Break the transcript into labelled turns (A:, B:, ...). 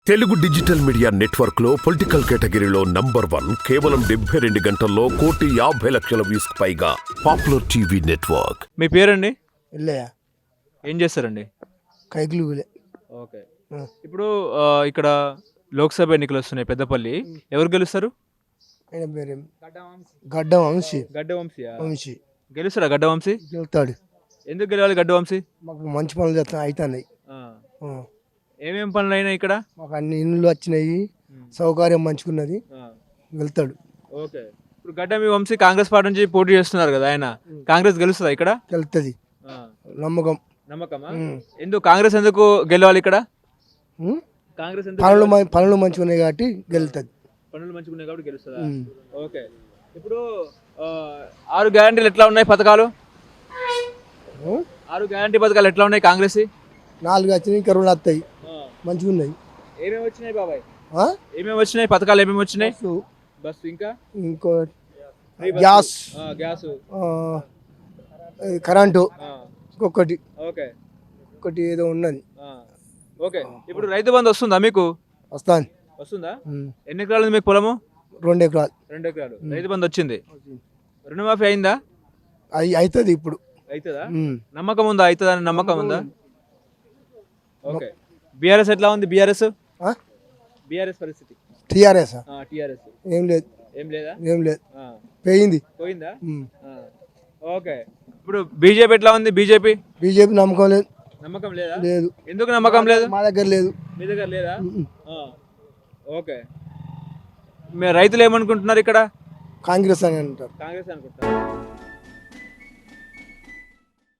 A: Telugu digital media network లో political కేటగిరీలో number 1 కేవలం 72 గంటల్లో 1,50,00,000 వ్యూస్ పైగా పాపులర్ టీవీ నెట్వర్క్.
B: మీ పేరండి?
C: ఇల్లయ్య
B: ఏం చేస్తారండి?
C: కైకులు ఊలే.
B: ఓకే. ఇప్పుడు ఇక్కడ లోక్సభ ఎన్నికలు వస్తున్నాయి పెద్దపల్లి. ఎవరు గెలుస్తారు?
C: ఆయన పేరు గడ్డ వంశీ.
B: గడ్డ
C: వంశీ
B: గెలుస్తారా? గడ్డ వంశీ
C: గెలుతాడు.
B: ఎందుకు గెలవాలి గడ్డ వంశీ?
C: మాకు మంచి పనులు చేస్తా అవుతున్నాయి.
B: ఏమేం పనులు అయినాయి ఇక్కడ?
C: మాకు అన్ని ఇండ్లు వచ్చినాయి, సౌకర్యం మంచుకున్నది, వెళ్తాడు.
B: ఓకే. ఇప్పుడు గడ్డ మీ వంశీ కాంగ్రెస్ పార్టీ నుంచి పోటీ చేస్తున్నారు కదా, ఆయన కాంగ్రెస్ గెలుస్తుందా ఇక్కడ?
C: వెళ్తుంది నమ్మకం.
B: నమ్మకమా? ఎందుకు కాంగ్రెస్ ఎందుకు గెలవాలి ఇక్కడ? కాంగ్రెస్
C: పనులు మంచిగా ఉన్నాయి కాబట్టి గెలుతుంది.
B: పనులు మంచిగా ఉన్నాయి కాబట్టి గెలుస్తుందా? ఓకే. ఇప్పుడు 6 గ్యారంటీలు ఎట్లా ఉన్నాయి పథకాలు? 6 గ్యారంటీ పథకాలు ఎట్లా ఉన్నాయి కాంగ్రెస్?
C: 4 వచ్చినాయి, ఇంకా 2 వస్తాయి. మంచిగా ఉన్నాయి.
B: ఏమేమి వచ్చినాయి బాబాయ్? ఏమేమి వచ్చినాయి పథకాలు? ఏమేమి వచ్చినాయి? బస్సు, ఇంకా
C: ఇంకో గ్యాస్, కరెంటు, ఇంకొకటి ఒకటి ఏదో ఉన్నది.
B: ఓకే. ఇప్పుడు రైతు బంధు వస్తుందా మీకు? వస్తుందా? ఎన్ని ఎకరాలు ఉంది మీకు పొలము?
C: 2 ఎకరాలు.
B: 2 ఎకరాలు. రైతు బంధు వచ్చింది. రుణమాఫీ అయిందా?
C: అవుతుంది ఇప్పుడు.
B: అవుతుందా? నమ్మకం ఉందా? అవుతుందా అని నమ్మకం ఉందా? ఓకే. బీఆర్ఎస్ ఎట్లా ఉంది? బీఆర్ఎస్ పరిస్థితి?
C: టీఆర్ఎస్
B: ఏం
C: లేదు.
B: ఏం లేదా?
C: ఏం లేదు,
B: పోయిందా? ఓకే. ఇప్పుడు బీజేపీ ఎట్లా ఉంది? బీజేపీ
C: నమ్మకం లేదు.
B: నమ్మకం లేదా?
C: లేదు.
B: ఎందుకు నమ్మకం లేదు?
C: మా దగ్గర లేదు.
B: మీ దగ్గర లేదా? ఓకే. రైతులు ఏమనుకుంటున్నారు ఇక్కడ?
C: కాంగ్రెస్ అని అంటారు.
B: కాంగ్రెస్ అనుకుంటారు.